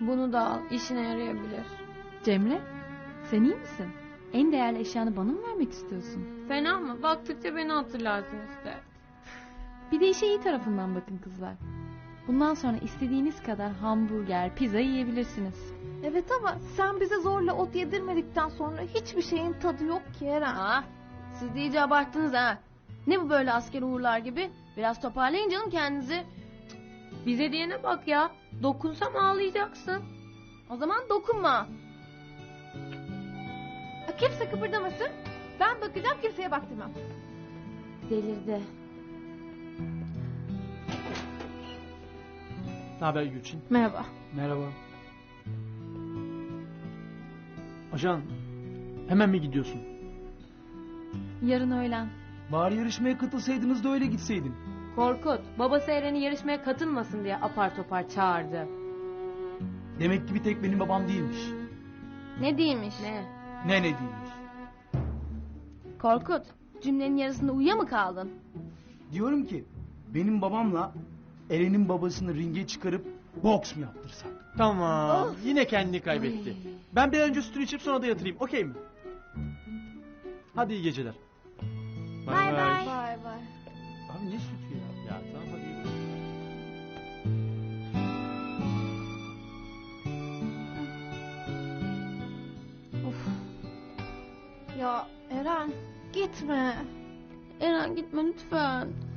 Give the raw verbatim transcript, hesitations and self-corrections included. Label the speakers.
Speaker 1: Bunu da al, işine yarayabilir.
Speaker 2: Cemre, sen iyi misin? En değerli eşyanı bana mı vermek istiyorsun?
Speaker 1: Fena mı? Baktıkça beni hatırlarsın işte.
Speaker 2: Bir de işe iyi tarafından bakın kızlar. Bundan sonra istediğiniz kadar hamburger, pizza yiyebilirsiniz.
Speaker 3: Evet ama sen bize zorla ot yedirmedikten sonra hiçbir şeyin tadı yok ki Eren.
Speaker 4: Aa, siz de iyice abarttınız ha. Ne bu böyle asker uğurlar gibi? Biraz toparlayın canım kendinizi.
Speaker 1: Bize diyene bak ya. Dokunsam ağlayacaksın.
Speaker 4: O zaman dokunma.
Speaker 3: Kimse kıpırdamasın. Ben bakacağım, kimseye baktırmam.
Speaker 4: Delirdi.
Speaker 5: Ne haber Gülçin?
Speaker 3: Merhaba.
Speaker 5: Merhaba. Ajan, hemen mi gidiyorsun?
Speaker 2: Yarın öğlen.
Speaker 5: Bari yarışmaya katılsaydınız da öyle gitseydin.
Speaker 1: Korkut, babası Eren'i yarışmaya katılmasın diye apar topar çağırdı.
Speaker 5: Demek ki bir tek benim babam değilmiş.
Speaker 4: Ne değilmiş?
Speaker 1: Ne?
Speaker 5: Ne ne değilmiş.
Speaker 4: Korkut, cümlenin yarısında uyuya mı kaldın?
Speaker 5: Diyorum ki benim babamla Eren'in babasını ringe çıkarıp boks mu yaptırsak?
Speaker 6: Tamam. Yine kendini kaybetti. Ben bir önce sütünü içip sonra da yatırayım. Okey mi? Hadi iyi geceler. Bay
Speaker 3: Bay bay.
Speaker 4: Bay bay.
Speaker 5: Abi ne sütü ya?
Speaker 6: Ya tamam hadi iyi geceler.
Speaker 3: Ya Eren, gitme.
Speaker 4: Eren gitme lütfen.